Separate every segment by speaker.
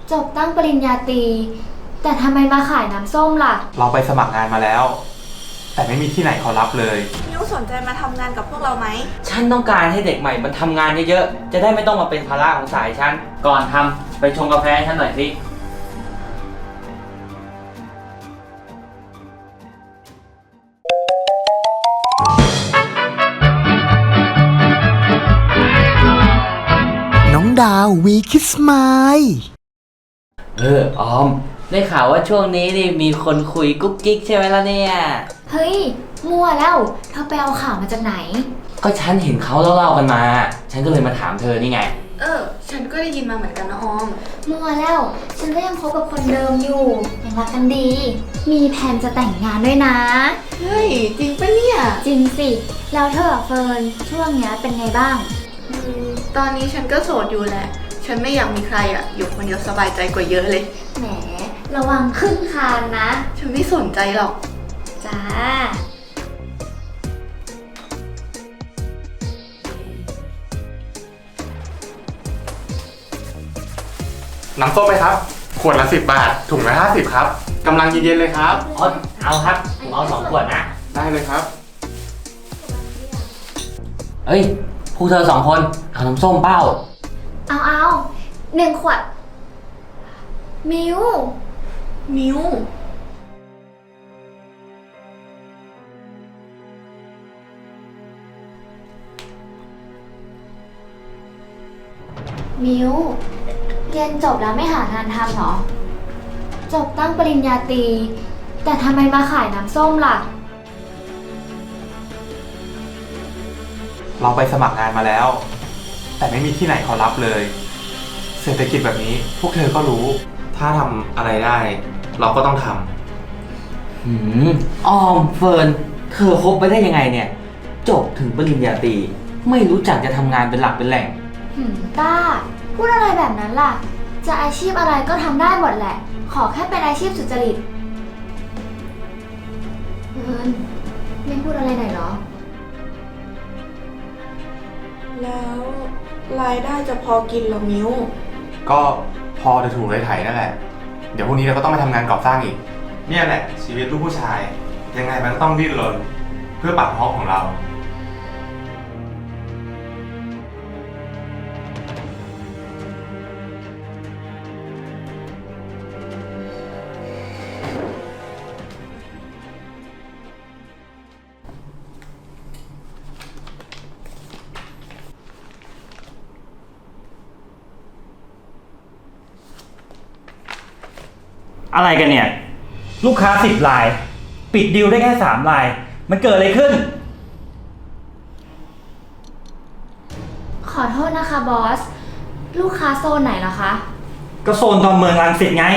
Speaker 1: จบตั้งปริญญาตรีแต่ทำไมมาขายน้ำส้มล่ะ
Speaker 2: เราไปสมัครงานมาแล้วแต่ไม่มีที่ไหนเขารับเลย
Speaker 3: มิวสนใจมาทำงานกับพวกเราไหม
Speaker 4: ฉันต้องการให้เด็กใหม่มันทำงานเยอะๆจะได้ไม่ต้องมาเป็นภาระของสายฉันก่อนทำไปชงกาแฟให้ฉันหน่อยสิ
Speaker 5: น้องดาววีคิสไมล์
Speaker 4: ออมได้ข่าวว่าช่วงนี้นี่มีคนคุยกุ๊กกิ๊กใช่ไหมล่ะเนี่ย
Speaker 1: เฮ้ยมั่วแล้วเธอไปเอาข่าวมาจากไหน
Speaker 4: ก็ฉันเห็นเขาเล่าๆกันมาฉันก็เลยมาถามเธอนี่ไง
Speaker 3: ฉันก็ได้ยินมาเหมือนกันนะออม
Speaker 1: มั่วแล้วฉันก็ยังคบกับคนเดิมอยู่ยังรักกันดีมีแผนจะแต่งงานด้วยนะ
Speaker 3: เฮ้ยจริงปะเนี่ย
Speaker 1: จริงสิแล้วเธอเฟิร์นช่วงนี้เป็นไงบ้าง
Speaker 3: ตอนนี้ฉันก็โสดอยู่แหละฉันไม่อยากมีใครอยู่คนเดียวสบายใจกว่าเยอะเลย
Speaker 1: แหมระวังขึ้นคานนะ
Speaker 3: ฉันไม่สนใจหรอก
Speaker 1: จ้า
Speaker 2: น้ำส้มไหมครับขวดละ10 บาทถุงละ50ครับกำลังเย็นๆเลยครับ
Speaker 4: เอาครับผมเอา2 ขวดนะ
Speaker 2: ได้เลยครับ
Speaker 4: เอ้ยพวกเธอ2 คนเอาน้ำส้มเป้า
Speaker 1: เอา1 ขวดมิว
Speaker 3: มิว
Speaker 1: เรียนจบแล้วไม่หางานทำหรอจบตั้งปริญญาตรีแต่ทำไมมาขายน้ำส้มล่ะ
Speaker 2: เราไปสมัครงานมาแล้วแต่ไม่มีที่ไหนเขารับเลยเศรษฐกิจแบบนี้พวกเธอก็รู้ถ้าทำอะไรได้เราก็ต้องท
Speaker 4: ำออมเฟิร์นเธอคบไปได้ยังไงเนี่ยจบถึงปริญญาตรีไม่รู้จักจะทำงานเป็นหลักเป็นแหล่ง
Speaker 1: ต้าพูดอะไรแบบนั้นล่ะจะอาชีพอะไรก็ทำได้หมดแหละขอแค่เป็นอาชีพสุจริตเฟิร์นไม่พูดอะไรหน่อยเหรอ
Speaker 3: แล้วรายได้จะพอกินหรอมิว
Speaker 2: ก็พอจะถูกเลยไถนั่นแหละเดี๋ยวพรุ่งนี้เราก็ต้องไปทำงานก่อสร้างอีกเนี่ยแหละชีวิตลูกผู้ชายยังไงมันก็ต้องดิ้นรนเพื่อปากท้องของเรา
Speaker 6: อะไรกันเนี่ยลูกค้า10 รายปิดดีลได้แค่3 รายมันเกิดอะไรขึ้น
Speaker 1: ขอโทษนะคะบอสลูกค้าโซนไหนเหรอคะ
Speaker 6: ก็โซนตอนเมืองรังสิตไง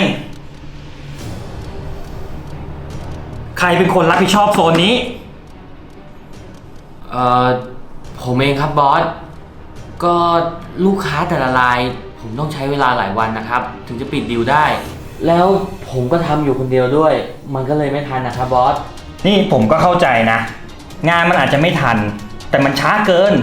Speaker 6: ใครเป็นคนรับผิดชอบโซนนี้
Speaker 4: ผมเองครับบอสก็ลูกค้าแต่ละรายผมต้องใช้เวลาหลายวันนะครับถึงจะปิดดีลได้แล้วผมก็ทำอยู่คนเดียวด้วยมันก็เลยไม่ทันนะครับบอส
Speaker 6: นี่ผมก็เข้าใจนะงานมันอาจจะไม่ทันแต่มันช้าเกิน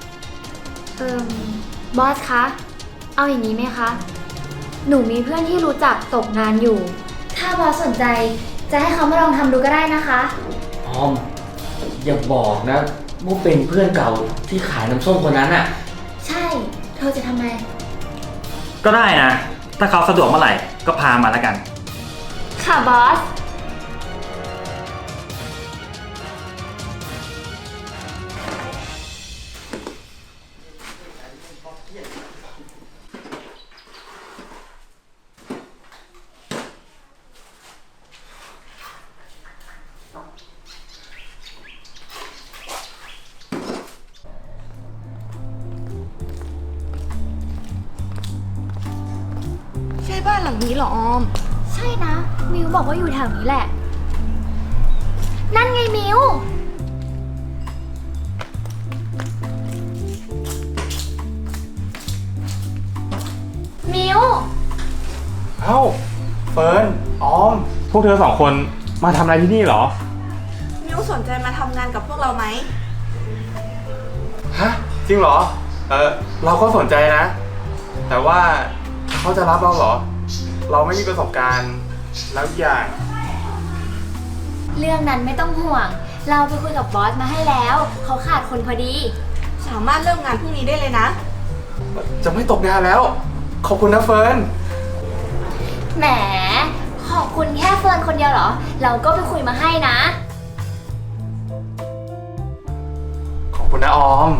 Speaker 1: บอสคะเอาอย่างนี้ไหมคะหนูมีเพื่อนที่รู้จักตกงานอยู่ถ้าบอสสนใจจะให้เขามาลองทำดูก็ได้นะคะ
Speaker 4: ออมอย่าบอกนะว่าเป็นเพื่อนเก่าที่ขายน้ำส้มคนนั้นอ่ะ
Speaker 1: ใช่เธอจะทำไม
Speaker 6: ก็ได้นะถ้าเขาสะดวกเมื่อไหร่ก็พามาแล้วกัน
Speaker 1: ค่ะบอส
Speaker 3: บ้านหลังนี้เหรอออม
Speaker 1: ใช่นะมิวบอกว่าอยู่แถวนี้แหละนั่นไงมิว
Speaker 2: เอ้าเฟิร์นออมพวกเธอ2 คนมาทำอะไรที่นี่เหรอ
Speaker 3: มิวสนใจมาทำงานกับพวกเราไหม
Speaker 2: ฮะจริงเหรอเราก็สนใจนะแต่ว่าเขาจะรับเราเหรอเราไม่มีประสบการณ์ แล้วอีกอย่าง
Speaker 1: เรื่องนั้นไม่ต้องห่วง เราไปคุยกับบอสมาให้แล้ว เขาขาดคนพอดี
Speaker 3: สามารถเริ่มงานพรุ่งนี้ได้เลยนะ
Speaker 2: จะไม่ตกงานแล้ว ขอบคุณนะเฟิร์น
Speaker 1: แหม ขอบคุณแค่เฟิร์นคนเดียวเหรอ เราก็ไปคุยมาให้นะ
Speaker 2: ขอบคุณนะออม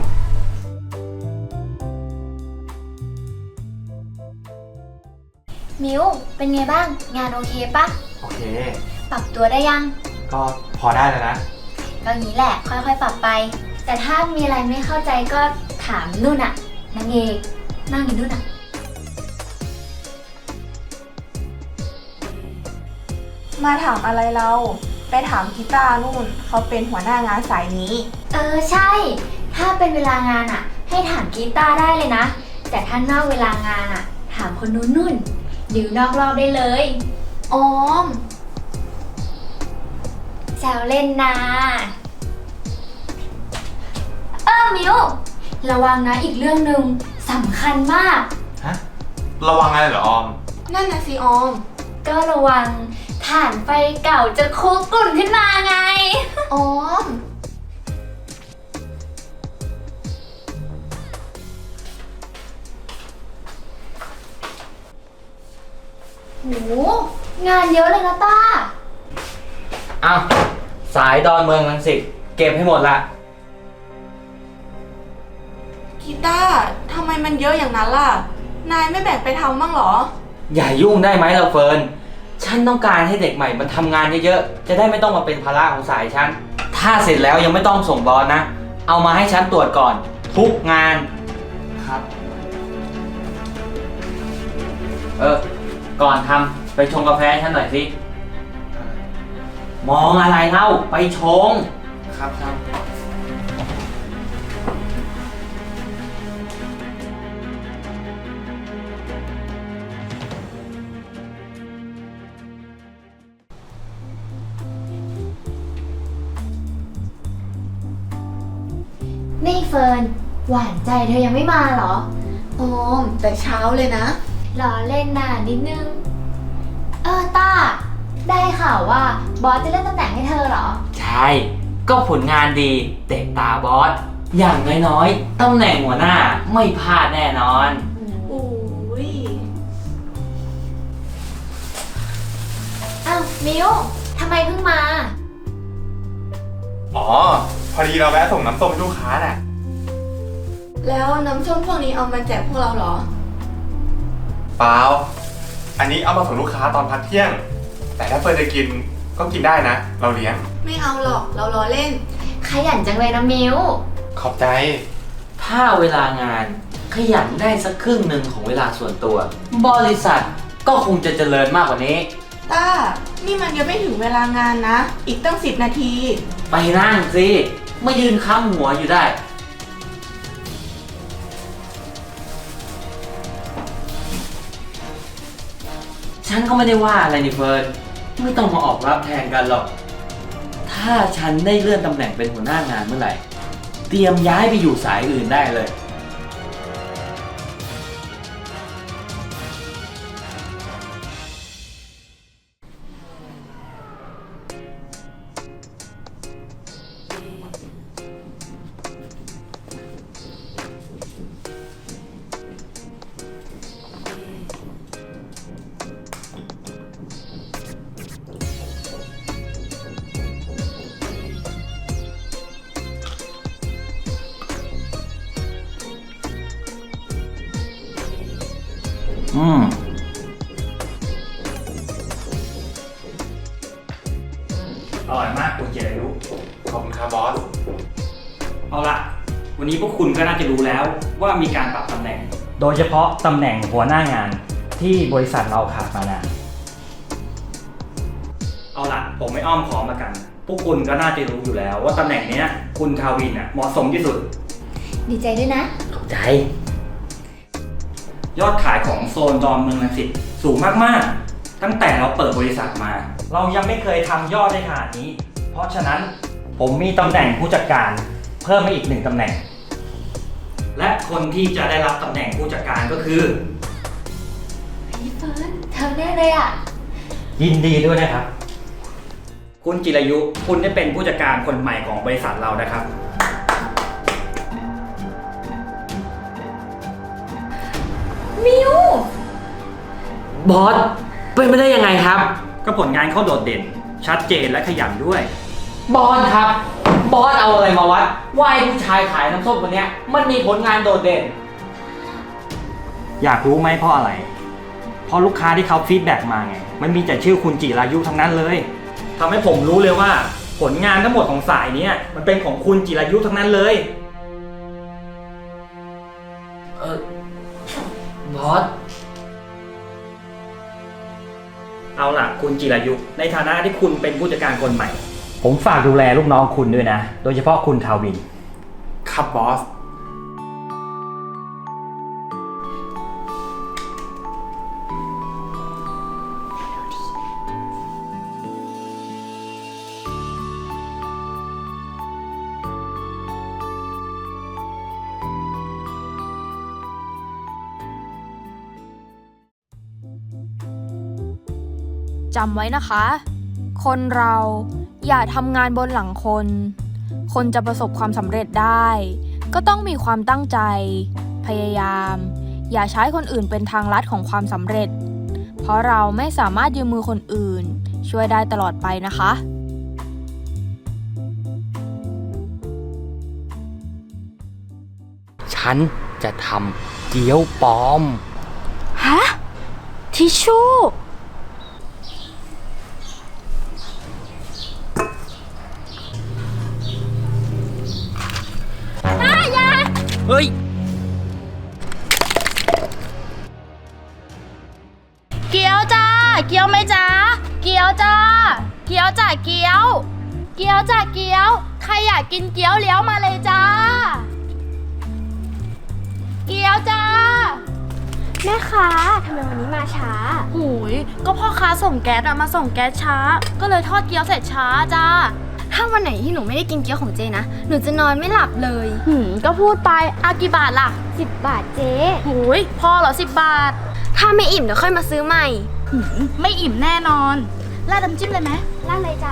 Speaker 1: มิวเป็นไงบ้าง งานโอเคปะ
Speaker 2: โอเค
Speaker 1: ปรับตัวได้ยัง
Speaker 2: ก็พอได้แล้วนะ
Speaker 1: ก็งี้แหละ ค่อยๆ ปรับไป แต่ถ้ามีอะไรไม่เข้าใจก็ถามนุ่นอะนางเอกนั่งอยู่นุ่นอะ
Speaker 3: มาถามอะไรเรา ไปถามกีตาร์นู่น เขาเป็นหัวหน้างานสายนี้
Speaker 1: ใช่ ถ้าเป็นเวลางานอะให้ถามกีตาร์ได้เลยนะ แต่ถ้านอกเวลางานอะถามคนนู้นนุ่นดิวนอกรอบได้เลย
Speaker 3: ออม
Speaker 1: แซวเล่นนะมิวระวังนะอีกเรื่องหนึ่งสำคัญมาก
Speaker 2: ฮะ ระวังอะไรเหรอออม
Speaker 3: นั่นนะสิออม
Speaker 1: ก็ระวังถ่านไฟเก่าจะคุกกลุ่นขึ้นมาไง
Speaker 3: ออม
Speaker 1: โห งานเยอะเลยนะต้า
Speaker 4: อ้าวสายดอนเมืองรังสิตเก็บให้หมดละ
Speaker 3: กีตาร์ทำไมมันเยอะอย่างนั้นล่ะ นายไม่แบ่งไปทำบ้างเหรอ
Speaker 4: อย่ายุ่งได้ไหมเราเฟิร์น ฉันต้องการให้เด็กใหม่มันทำงานเยอะๆ จะได้ไม่ต้องมาเป็นภาระของสายฉัน ถ้าเสร็จแล้วยังไม่ต้องส่งบอสนะ เอามาให้ฉันตรวจก่อน ทุกงาน
Speaker 2: ครับ
Speaker 4: ก่อนทำไปชงกาแฟให้ฉันหน่อยสิ มองอะไรเล่า ไปชง
Speaker 2: ครับครับ
Speaker 1: นี่เฟิร์น หวานใจเธอยังไม่มาเหรอ
Speaker 3: ออม แต่เช้าเลยนะ
Speaker 1: รอเล่นนานนิดนึง ต้า ได้ข่าวว่าบอสจะเลื่อนตำแหน่งให้เธอเหรอ
Speaker 4: ใช่ ก็ผลงานดีเตะตาบอส อย่างน้อยๆ ตำแหน่งหัวหน้าไม่พลาดแน่นอน
Speaker 3: โอ้ย
Speaker 1: อ้าวมิวทำไมเพิ่งมา
Speaker 2: อ๋อ พอดีเราแวะส่งน้ำส้มให้ลูกค้าน่ะ
Speaker 3: แล้วน้ำส้มพวกนี้เอามาแจกพวกเราเหรอ
Speaker 2: เปล่า อันนี้เอามาส่งลูกค้าตอนพักเที่ยง แต่ถ้าเฟิร์นจะกินก็กินได้นะ เราเลี้ยง
Speaker 3: ไม่เอาหรอก เราล้อเล่น
Speaker 1: ขยันจังเลยนะมิว
Speaker 2: ขอบใจ
Speaker 4: ถ้าเวลางานขยันได้สักครึ่งหนึ่งของเวลาส่วนตัว บริษัทก็คงจะเจริญมากกว่านี้
Speaker 3: ต้า นี่มันยังไม่ถึงเวลางานนะ อีกตั้ง10 นาที
Speaker 4: ไปนั่งสิไม่ยืนค้ำหัวอยู่ได้ ฉันก็ไม่ได้ว่าอะไรนี่เฟิร์น ไม่ต้องมาออกรับแทนกันหรอก ถ้าฉันได้เลื่อนตำแหน่งเป็นหัวหน้างานเมื่อไหร่ เตรียมย้ายไปอยู่สายอื่นได้เลย
Speaker 6: อร่อยมากคุณเจริญ
Speaker 2: ขอบคุณครับบอส
Speaker 6: เอาละวันนี้พวกคุณก็น่าจะรู้แล้วว่ามีการปรับตำแหน่ง โดยเฉพาะตำแหน่งหัวหน้างานที่บริษัทเราขาดมานาน เอาละผมไม่อ้อมค้อมละกัน พวกคุณก็น่าจะรู้อยู่แล้วว่าตำแหน่งเนี้ยคุณทาวินเหมาะสมที่สุด
Speaker 1: ดีใจด้วยนะ
Speaker 4: ขอบใจ
Speaker 6: ยอดขายของโซนดอนเมืองรังสิตสูงมากๆ ตั้งแต่เราเปิดบริษัทมา เรายังไม่เคยทำยอดได้ขนาดนี้ เพราะฉะนั้นผมมีตำแหน่งผู้จัดการเพิ่มมาอีก1ตำแหน่ง และคนที่จะได้รับตำแหน่งผู้จัดการก็คือ
Speaker 1: พี่เฟิร์นเธอแน่งเลยอ่ะ
Speaker 6: ยินดีด้วยนะครับ คุณจิรายุ คุณได้เป็นผู้จัดการคนใหม่ของบริษัทเรานะครับ
Speaker 1: มิว
Speaker 4: บอส เป็นไปได้ยังไงครับ
Speaker 6: ก็ผลงานเขาโดดเด่น ชัดเจนและขยันด้วย
Speaker 4: บอสครับ บอสเอาอะไรมาวัดว่าไอ้ผู้ชายขายน้ำส้มคนเนี้ยมันมีผลงานโดดเด่น
Speaker 6: อยากรู้ไหมเพราะอะไร เพราะลูกค้าที่เขาฟีดแบ็กมาไง มันมีแต่ชื่อคุณจิรายุทั้งนั้นเลยทำให้ผมรู้เลยว่าผลงานทั้งหมดของสายเนี้ยมันเป็นของคุณจิรายุทั้งนั้นเลย
Speaker 4: บอส
Speaker 6: เอาล่ะคุณจิรายุ ในฐานะที่คุณเป็นผู้จัดการคนใหม่ ผมฝากดูแลลูกน้องคุณด้วยนะ โดยเฉพาะคุณทาวิน
Speaker 2: ครับบอส
Speaker 7: จำไว้นะคะ คนเราอย่าทำงานบนหลังคน คนจะประสบความสำเร็จได้ ก็ต้องมีความตั้งใจ พยายาม อย่าใช้คนอื่นเป็นทางลัดของความสำเร็จ เพราะเราไม่สามารถยืมมือคนอื่น ช่วยได้ตลอดไปนะคะ
Speaker 4: ฉันจะทำเกี๊ยวปลอม
Speaker 7: ฮะ ทิชชู่
Speaker 4: เฮ้ย
Speaker 7: เกี๊ยวจ้า เกี๊ยวไหมจ้า เกี๊ยวจ้า เกี๊ยวจ้าเกี๊ยว เกี๊ยวจ้าเกี๊ยว ใครอยากกินเกี๊ยวเลี้ยวมาเลยจ้า เกี๊ยวจ้า
Speaker 1: แม่ค้าทำไมวันนี้มาช้า
Speaker 7: หูย ก็พ่อค้าส่งแก๊สอะมาส่งแก๊สช้า ก็เลยทอดเกี๊ยวเสร็จช้าจ้า
Speaker 1: ถ้าวันไหนที่หนูไม่ได้กินเกี๊ยวของเจนะ หนูจะนอนไม่หลับเลย
Speaker 7: ก็พูดไปอากี่บาทล่ะ
Speaker 1: 10 บาทเจ๊
Speaker 7: หูย พอเหรอ10 บาท
Speaker 1: ถ้าไม่อิ่มเดี๋ยวค่อยมาซื้อใหม่
Speaker 7: ไม่อิ่มแน่นอนราดน้ำจิ้มเลยไหม
Speaker 1: ล่าดเลยจ้ะ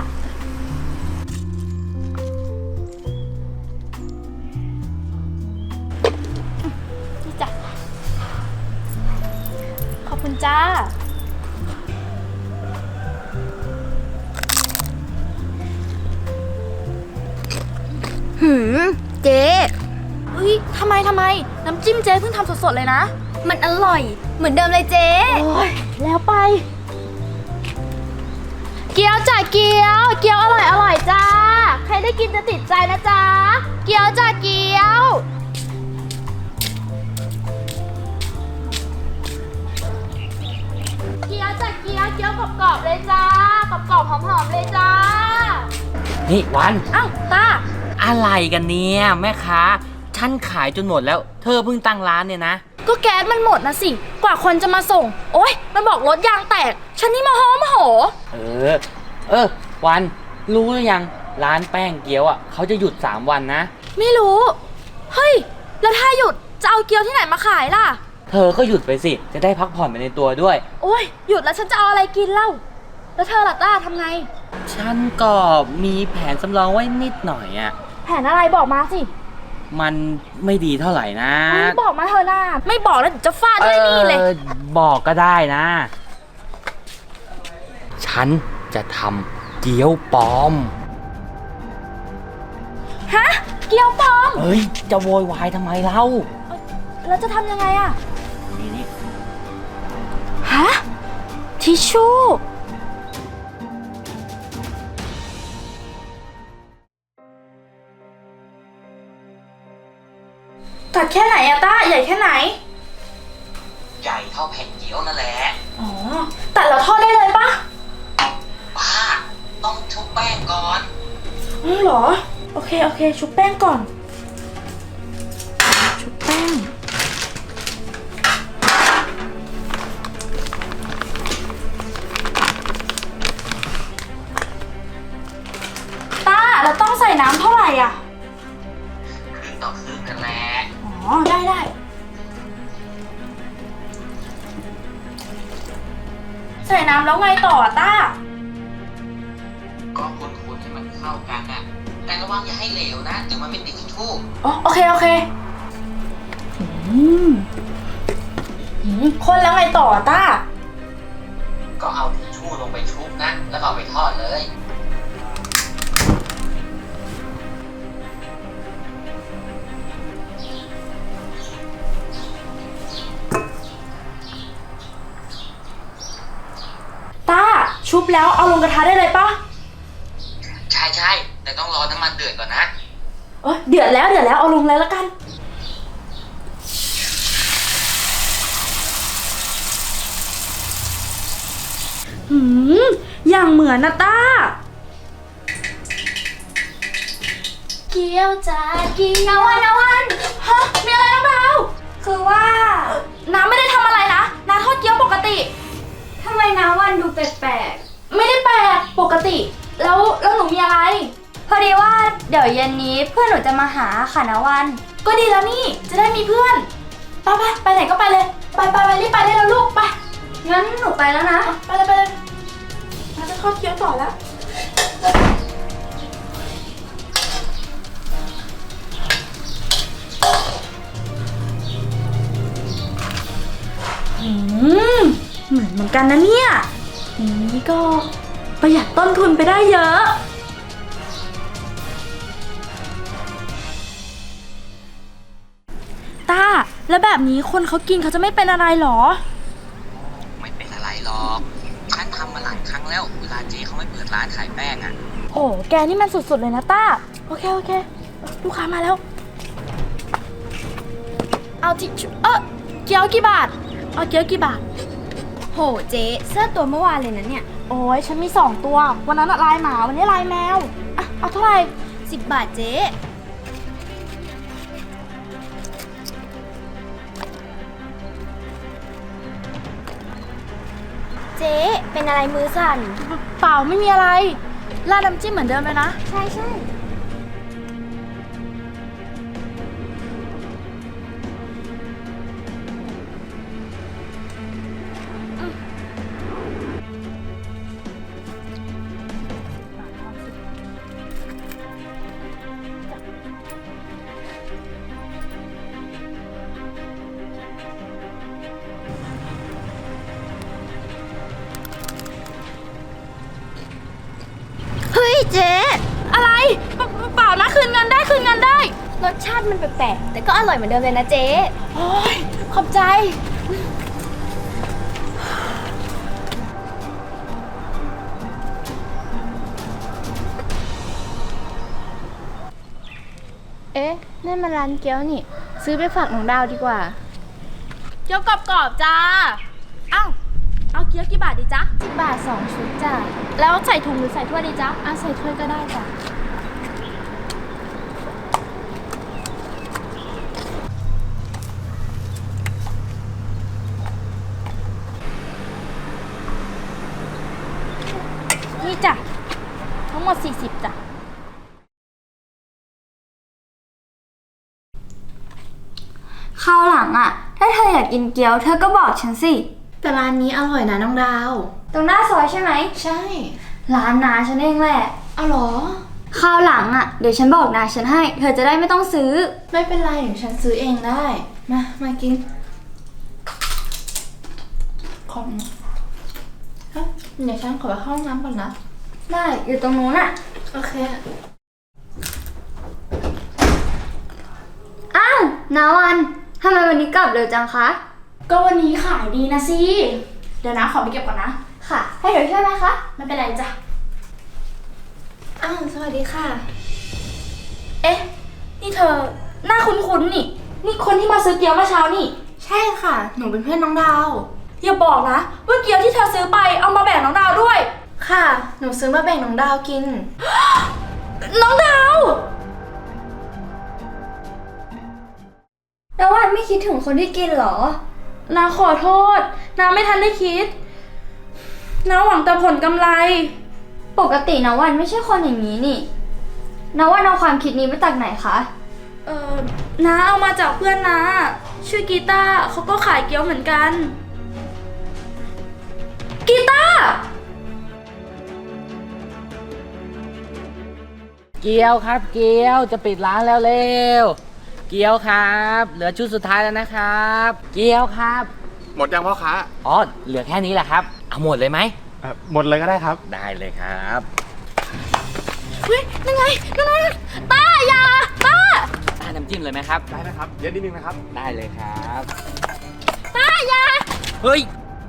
Speaker 7: นี่จ้ะ ขอบคุณจ้า
Speaker 1: เจ๊
Speaker 7: เฮ้ย ทำไม น้ำจิ้มเจ๊เพิ่งทำสดๆเลยนะ
Speaker 1: มันอร่อย เหมือนเดิมเลยเจ๊
Speaker 7: โอ้ย แล้วไป เกี๊ยวจ้ะเกี๊ยว เกี๊ยวอร่อยจ้า ใครได้กินจะติดใจนะจ๊ะ เกี๊ยวจ้ะเกี๊ยว เกี๊ยวจ้ะเกี๊ยว เกี๊ยวกรอบๆเลยจ้ากรอบๆหอมๆเลยจ้า
Speaker 4: นี่วัน
Speaker 7: อ้าวตา
Speaker 4: อะไรกันเนี่ยแม่ค้า ฉันขายจนหมดแล้ว เธอเพิ่งตั้งร้านเนี่ยนะ
Speaker 7: ก็แก๊สมันหมดนะสิ กว่าคนจะมาส่ง โอ๊ย มันบอกรถยางแตก ฉันนี่โมโห
Speaker 4: วัน รู้หรือยัง ร้านแป้งเกี๊ยวอ่ะเขาจะหยุด3 วันนะ
Speaker 7: ไม่รู้ เฮ้ย แล้วถ้าหยุดจะเอาเกี๊ยวที่ไหนมาขายล่ะ
Speaker 4: เธอก็หยุดไปสิ จะได้พักผ่อนไปในตัวด้วย
Speaker 7: โอ๊ย หยุดแล้วฉันจะเอาอะไรกินเล่า แล้วเธอล่ะต้าทำไง
Speaker 4: ฉันก็มีแผนสำรองไว้นิดหน่อยอ่ะ
Speaker 7: แผนอะไรบอกมาสิ
Speaker 4: มันไม่ดีเท่าไหร่นะ
Speaker 7: บอกมาเธอหน้า ไม่บอกแล้วเดี๋ยวจะฟาดด้วยนี่เลย
Speaker 4: บอกก็ได้นะ ฉันจะทำเกี๊ยวปลอม
Speaker 7: ฮะ เกี๊ยวปลอม
Speaker 4: เฮ้ย จะโวยวายทำไมเล่า
Speaker 7: แล้วจะทำยังไงอะฮะ ทิชชู่ ตัดแค่ไหนอะต้า ใหญ่แค่ไหน
Speaker 4: ใหญ่เท่าแผ่นเกี๊ยวนั่นแหละ
Speaker 7: อ๋อ ตัดแล้วทอดได้เลยปะ
Speaker 4: ป้า ต้องชุบแป้งก่อน
Speaker 7: อ๋อเหรอ โอเค ชุบแป้งก่อน ชุบแป้ง ต้า เราต้องใส่น้ำเท่าไหร่อ่ะ
Speaker 4: ครึ่งต่อครึ่งนั่นแหละ
Speaker 7: อ๋อ ได้ใส่น้ำแล้วไงต่ออะต้า
Speaker 8: ก็คนให้มันเข้ากันอ่ะ แต่ระวังอย่าให้เหลวนะเดี๋ยวมันไม่ติดทิชชู่
Speaker 7: อ๋อโอเคโอเคคนแล้วไงต่ออะต้า
Speaker 8: ก็เอาทิชชู่ลงไปชุบนะ แล้วก็เอาไปทอดเลย
Speaker 7: ต้า ชุบแล้วเอาลงกระทะได้เลยปะ
Speaker 8: ใช่แต่ต้องรอน้ำมันเดือดก่อนนะ
Speaker 7: เดือดแล้วเอาลงเลยแล้วกัน อย่างเหมือนนะต้า เกี๊ยวจ้าเกี๊ยวนาวันฮะ มีอะไรน้องดาว คือว่า น้าไม่ได้ทำอะไรนะ น้าทอดเกี๊ยวปกติ
Speaker 1: ทำไมนาวันดูแปลก
Speaker 7: ไม่ได้แปลกปกติ แล้วหนูมีอะไร
Speaker 1: ๆ พอดีว่าเดี๋ยวเย็นนี้เพื่อนหนูจะมาหาค่ะนาวัน
Speaker 7: ก็ดีแล้วนี่ จะได้มีเพื่อน ไปไหนก็ไปเลย ไปรีบไปได้แล้วลูก ไป
Speaker 1: งั้นหนูไปแล้วนะ
Speaker 7: ไปเลยเราจะทอดเกี๊ยวต่อแล้ว เหมือนกันนะเนี่ยอย่างนี้ก็ประหยัดต้นทุนไปได้เยอะ ต้า แล้วแบบนี้คนเขากินเขาจะไม่เป็นอะไรหรอ
Speaker 8: ไม่เป็นอะไรหรอกฉันทำมาหลายครั้งแล้ว เวลาเจ๊เขาไม่เปิดร้านขายแป้งอ่ะ
Speaker 7: โอ้แกนี่มันสุดๆเลยนะต้า โอเคลูกค้ามาแล้ว เอาทิชชู่เกี๊ยวกี่บาท เอาเกี๊ยวกี่บาท
Speaker 1: โหเจ๊เสื้อตัวเมื่อวานเลยนะเนี่ย
Speaker 7: โอ้ยฉันมี2ตัว วันนั้นอะลายหมา วันนี้ลายแมว เอาเท่าไหร่
Speaker 1: 10 บาทเจ๊เจ๊เป็นอะไรมือสั่น
Speaker 7: เปล่าไม่มีอะไรราดน้ำจิ้มเหมือนเดิมเลยนะ
Speaker 1: ใช่เฮ้ยเจ๊
Speaker 7: อะไร เปล่านะคืนเงินได้
Speaker 1: รสชาติมันแปลกๆแต่ก็อร่อยเหมือนเดิมเลยนะเจ๊
Speaker 7: โอ้ยขอบใจ
Speaker 1: เอ๊ะนั่นมันร้านเกี๊ยวนี่ ซื้อไปฝากน้องดาวดีกว่า
Speaker 7: เกี๊ยวกรอบๆจ้า เอาเกี๊ยวกี่บาทดีจ๊ะ
Speaker 1: 10 บาท 2 ชุดจ้ะ
Speaker 7: แล้วใส่ถุงหรือใส่ถ้วยดีจ๊ะ
Speaker 1: ใส่ถ้วยก็ได้จ้ะ
Speaker 7: นี่จ้ะ ทั้งหมด40จ้ะ
Speaker 1: คราวหลังอะถ้าเธออยากกินเกี๊ยวเธอก็บอกฉันสิ
Speaker 3: แต่ร้านนี้อร่อยนะน้องดาว
Speaker 1: ตรงหน้าซอยใช่ไหม
Speaker 3: ใช่
Speaker 1: ร้านนาฉันเองแหละ
Speaker 3: เอาเหรอ
Speaker 1: คราวหลังอะเดี๋ยวฉันบอกนาฉันให้ เธอจะได้ไม่ต้องซื้อ
Speaker 3: ไม่เป็นไรเดี๋ยวฉันซื้อเองได้ มากิน ของเฮ้ยเดี๋ยวฉันขอไปเข้าห้องน้ำก่อนนะ
Speaker 1: ได้อยู่ตรงนู้นอะ
Speaker 3: โอเค
Speaker 1: อ้าวนาวันทำไมวันนี้กลับเร็วจังคะ
Speaker 7: ก็วันนี้ขายดีนะสิ เดี๋ยวนะขอไปเก็บก่อนนะ
Speaker 1: ค่ะ ให้เดี๋ยวช่วยไหมคะ
Speaker 7: ไม่เป็นไรจ้ะ
Speaker 3: อ้าว สวัสดีค่ะ
Speaker 7: เอ๊ะ นี่เธอ หน้าคุ้นๆนี่ นี่คนที่มาซื้อเกี๊ยวเมื่อเช้านี่
Speaker 3: ใช่ค่ะ หนูเป็นเพื่อนน้องดาว
Speaker 7: อย่าบอกนะว่าเกี๊ยวที่เธอซื้อไปเอามาแบ่งน้องดาวด้วย
Speaker 3: ค่ะ หนูซื้อมาแบ่งน้องดาวกิน
Speaker 7: น้องดาว
Speaker 1: นาวันไม่คิดถึงคนที่กินเหรอ
Speaker 7: นาขอโทษนาไม่ทันได้คิดนาหวังแต่ผลกำไร
Speaker 1: ปกตินาวันไม่ใช่คนอย่างนี้นี่นาวันเอาความคิดนี้มาจากไหนคะ
Speaker 7: น้าเอามาจากเพื่อนนาชื่อกีตาร์เขาก็ขายเกี๊ยวเหมือนกัน กีตาร์
Speaker 4: เกียวครับเกียวจะปิดร้านแล้วเร็วเกียวครับ เหลือชุดสุดท้ายแล้วนะครับ เกียวครับ
Speaker 2: หมดยังพ่อค้า
Speaker 4: อ๋อเหลือแค่นี้แหละครับเอาหมดเลยไหม
Speaker 2: หมดเลยก็ได้ครับ
Speaker 4: ได้เลยครับ
Speaker 7: เฮ้ยนั่นไงต้าอย่าต้า
Speaker 4: น้ำจิ้มเลยไหมครับ
Speaker 2: ได้นะครับเยอะนิดนึงนะครับ
Speaker 4: ได้เลยครับ
Speaker 7: ต้าอย่า
Speaker 4: เฮ้ย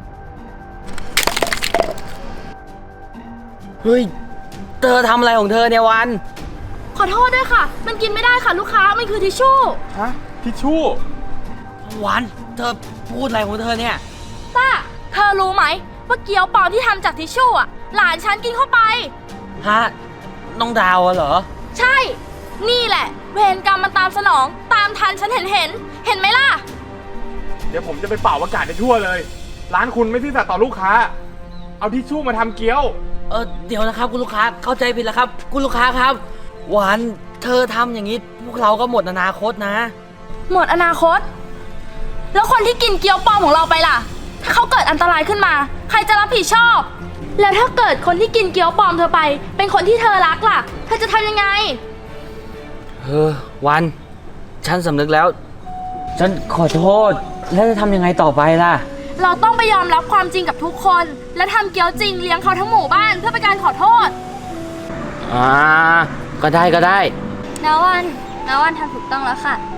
Speaker 4: เธอทำอะไรของเธอเนี่ยวัน
Speaker 7: ขอโทษด้วยค่ะ มันกินไม่ได้ค่ะลูกค้ามันคือทิชชู่
Speaker 2: ฮะ ทิชชู่
Speaker 4: วันเธอพูดอะไรของเธอเนี่ย
Speaker 7: ต้าเธอรู้ไหมว่าเกี๊ยวปลอมที่ทำจากทิชชู่อะหลานฉันกินเข้าไป
Speaker 4: ฮะ น้องดาวเหรอ
Speaker 7: ใช่ นี่แหละ เวรกรรมมันตามสนอง ตามทันฉันเห็นไหมล่ะ
Speaker 2: เดี๋ยวผมจะไปเป่าอากาศในทั่วเลย ร้านคุณไม่ซื่อสัตย์ต่อลูกค้า เอาทิชชู่มาทำเกี๊ยว
Speaker 4: เดี๋ยวนะครับคุณลูกค้าเข้าใจผิดแล้วครับ คุณลูกค้าครับวันเธอทำอย่างนี้พวกเราก็หมดอนาคตนะ
Speaker 7: หมดอนาคต แล้วคนที่กินเกี๊ยวปลอมของเราไปล่ะ ถ้าเขาเกิดอันตรายขึ้นมา ใครจะรับผิดชอบ แล้วถ้าเกิดคนที่กินเกี๊ยวปลอมเธอไป เป็นคนที่เธอรักล่ะ เธอจะทำยังไง
Speaker 4: วันฉันสำนึกแล้ว ฉันขอโทษแล้วจะทำยังไงต่อไปล่ะ
Speaker 7: เราต้องไปยอมรับความจริงกับทุกคน และทำเกี๊ยวจริงเลี้ยงเขาทั้งหมู่บ้านเพื่อเป็นการขอโทษ
Speaker 4: ก็ได้
Speaker 1: นาวันทำถูกต้องแล้วค่ะ